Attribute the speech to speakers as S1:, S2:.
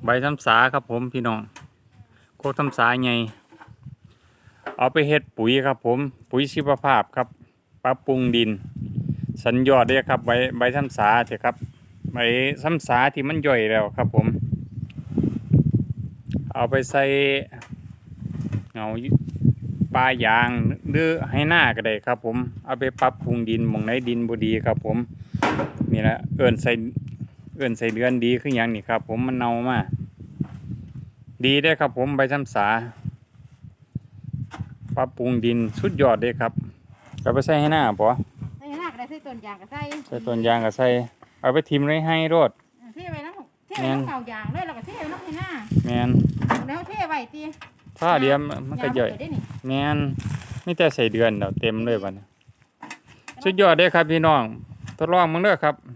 S1: บซ้ำสาครับผมพี่น้องโคกซ้ำสาไงเอาไปเฮ็ดปุ๋ยครับผมปุ๋ยชีวภาพครับปรับปรุงดินสัญยอดเด้อครับใบซ้ำสาเถอะครับใบซ้ำสาที่มันย่อยแล้วครับผมเอาไปใส่เงาปลายางหรือให้หน้าก็ได้ครับผมเอาไปปรับปรุงดินหม่องไหนดินบ่ดีครับผมนี่แหละเอิ้นใส่เดือนดีคือหยังนี่ครับผมมันเน่ามาดีได้ครับผมใบซ้ำสาปรับปรุงดินสุดยอดเลยครับเอาไปใส่ให้หน้าปะ
S2: ใส่หน้าก็ได้ใส่ต้นยางก็ใส่
S1: ต้นยางก็ใส่เอาไปทิมเลยให้รถ
S2: เท่ไว้น้ำเท่ไว้น้ำเก่ายางเลยแล้วก็เท่ไว้น้ำให้หน้า
S1: แมน
S2: แล้วเท่ไว้ตี
S1: ถ้าเดียวมันก็ย่อยแมนไม่แต่ใส่เดือนเดี๋ยวเต็มเลยวันสุดยอดเลยครับพี่น้องทดลองมึงเด้อครับ